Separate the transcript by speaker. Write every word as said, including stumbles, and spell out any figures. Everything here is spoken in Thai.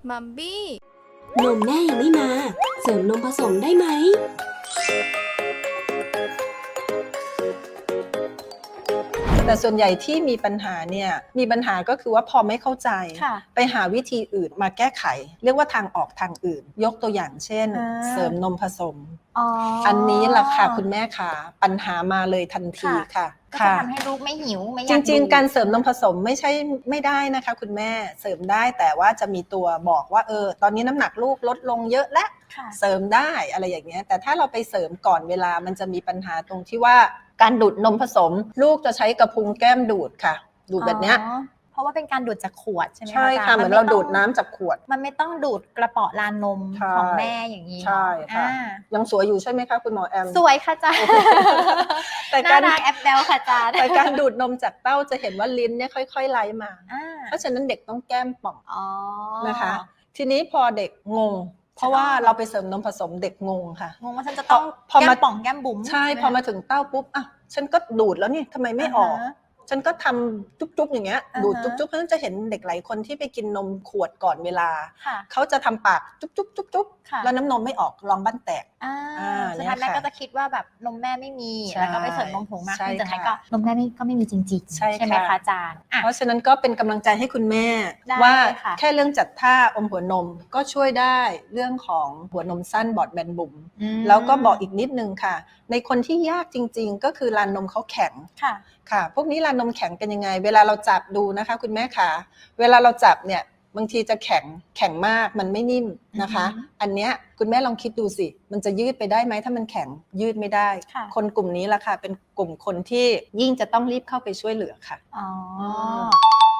Speaker 1: มัมบี้
Speaker 2: นมแม่ยังไม่มาเสริมนมผสมได้ไหม
Speaker 3: แต่ส่วนใหญ่ที่มีปัญหาเนี่ยมีปัญหาก็คือว่าพอไม่เข้าใจไปหาวิธีอื่นมาแก้ไขเรียกว่าทางออกทางอื่นยกตัวอย่างเช่นเสริมนมผสม อ, อันนี้ล่ะค่ะคุณแม่ค่ะปัญหามาเลยทันทีค่ะ
Speaker 4: ก็จะทำให้ลูกไม่หิวไม่อยาก
Speaker 3: จริงๆการเสริมนมผสมไม่ใช่ไม่ได้นะคะคุณแม่เสริมได้แต่ว่าจะมีตัวบอกว่าเออตอนนี้น้ำหนักลูกลดลงเยอะแล้วเสริมได้อะไรอย่างเงี้ยแต่ถ้าเราไปเสริมก่อนเวลามันจะมีปัญหาตรงที่ว่าการดูดนมผสมลูกจะใช้กระพุ้งแก้มดูดค่ะดูดแบบเนี้ย
Speaker 4: เพราะว่าเป็นการดูดจากขวดใช่ไหมคะ
Speaker 3: ใช่ค่ะเหมือนเราดูดน้ำจากขวด
Speaker 4: มันไม่ต้องดูดกระเป๋อลานนมของแม่อย่างนี้
Speaker 3: ใช่ค่ะยังสวยอยู่ใช่ไหมคะคุณหมอแอม
Speaker 4: สวยค่ะจ้าแต่การน่ารักแอปเบลค่ะจ้า
Speaker 3: แต่การดูดนมจากเต้าจะเห็นว่าลิ้นเนี่ยค่อยๆไหลมาเพราะฉะนั้นเด็กต้องแก้มป่องนะคะทีนี้พอเด็กงงเพราะว่าเราไปเสริมนมผสมเด็กงงค่ะ
Speaker 4: งงว่าฉันจะต้องแก้มป่องแก้มบุ๋ม
Speaker 3: ใช่พอมาถึงเต้าปุ๊บอ่ะฉันก็ดูดแล้วนี่ทำไมไม่ออกฉันก็ทำจุ๊บๆอย่างเงี้ยดูดจุ๊บๆเพราะฉะนั้นจะเห็นเด็กหลายคนที่ไปกินนมขวดก่อนเวลาเขาจะทำปากจุ๊บๆๆๆแล้วน้ำนมไม่ออกรองบ้านแตก
Speaker 4: สุดท้ายแม่ก็จะคิดว่าแบบนมแม่ไม่มีแล้วก็ไปเสริมนมผงมากขึ้นสุดท้ายก็นมแม่ก็ไม่มีจริงๆใช่ไหมคะอาจารย์
Speaker 3: เพราะฉะนั้นก็เป็นกำลังใจให้คุณแม่ว่าแค่เรื่องจัดท่าอมหัวนมก็ช่วยได้เรื่องของหัวนมสั้นบอดแบนบุ๋มแล้วก็บอกอีกนิดนึงค่ะในคนที่ยากจริงๆก็คือลานนมเขาแข็งค่ะพวกนี้ลานนมแข็งเป็นยังไงเวลาเราจับดูนะคะคุณแม่คะเวลาเราจับเนี่ยบางทีจะแข็งแข็งมากมันไม่นิ่มนะคะอันเนี้ยคุณแม่ลองคิดดูสิมันจะยืดไปได้ไหมถ้ามันแข็งยืดไม่ได้คนกลุ่มนี้ล่ะค่ะเป็นกลุ่มคนที่ยิ่งจะต้องรีบเข้าไปช่วยเหลือค่ะ
Speaker 4: อ๋อ